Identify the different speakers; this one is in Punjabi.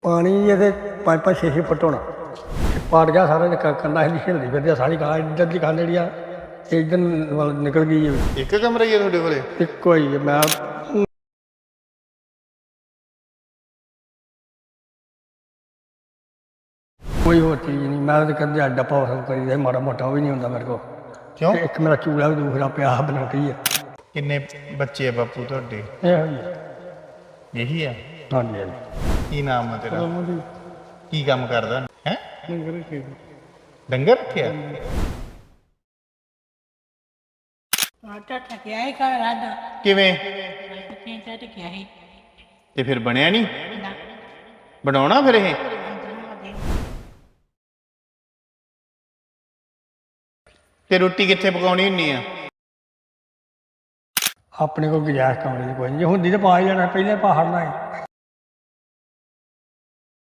Speaker 1: ਪਾਣੀ ਇਹਦੇ 5-6 ਫੁੱਟ ਹੋਣਾ ਪਾੜ ਗਿਆ ਸਾਰਾ ਕੰਡਾ ਹਿੱਲੀ ਹਿਲਦੀ ਫਿਰਦੀ ਸਾਰੀ ਗਾਂ ਇੱਧਰ ਦੀ ਕੰਧ ਜਿਹੜੀ ਆ ਇੱਧਰ ਵੱਲ ਨਿਕਲ ਗਈ ਹੈ।
Speaker 2: ਇੱਕ ਕਮਰਾ ਹੀ ਹੈ ਤੁਹਾਡੇ ਕੋਲੇ?
Speaker 1: ਇੱਕੋ ਹੀ ਹੈ। ਮੈਂ ਕੋਈ ਹੋਰ ਚੀਜ਼ ਨਹੀਂ, ਮੈਂ ਤਾਂ ਕਦੇ ਡੱਪਾ ਵਸੋਂ ਕਰੀਦਾ ਮਾੜਾ ਮੋਟਾ ਉਹ ਵੀ ਨਹੀਂ ਹੁੰਦਾ ਮੇਰੇ ਕੋਲ।
Speaker 2: ਕਿਉਂ?
Speaker 1: ਇੱਕ ਮੇਰਾ ਚੂੜਾ ਵੀ ਦੂਸਰਾ ਪਿਆ ਬਣਾਉਟੀ ਹੈ।
Speaker 2: ਕਿੰਨੇ ਬੱਚੇ ਆ ਬਾਪੂ ਤੁਹਾਡੇ?
Speaker 1: ਇਹੋ ਹੀ ਹੈ।
Speaker 2: ਇਹੀ ਆ?
Speaker 1: ਹਾਂਜੀ ਹਾਂਜੀ।
Speaker 2: ਕੀ ਨਾਮ ਆ ਤੇਰਾ? ਕੀ ਕੰਮ ਕਰਦਾ ਹੈ? ਡੰਗਰ ਰੱਖਿਆ?
Speaker 3: ਆਟਾ ਠਕਿਆ ਹੈ ਘਰ ਆਡਾ
Speaker 2: ਕਿਵੇਂ?
Speaker 3: ਕਿੰਨਾ ਠਕਿਆ ਹੈ
Speaker 2: ਤੇ ਫਿਰ ਬਣਿਆ ਨਹੀਂ?
Speaker 3: ਨਾ
Speaker 2: ਬਣਾਉਣਾ ਫਿਰ ਇਹ? ਤੇ ਰੋਟੀ ਕਿੱਥੇ ਪਕਾਉਣੀ ਹੁੰਨੀ ਆ?
Speaker 1: ਆਪਣੇ ਕੋਲ ਗੁੰਜਾਇਸ਼ ਕਮਰੇ ਦੀ ਕੋਈ ਨਹੀਂ, ਜੇ ਹੁੰਦੀ ਤਾਂ ਪਾ ਹੀ ਲੈਣਾ, ਪਹਿਲੇ ਪਾ ਹੜਨਾ ਹੈ।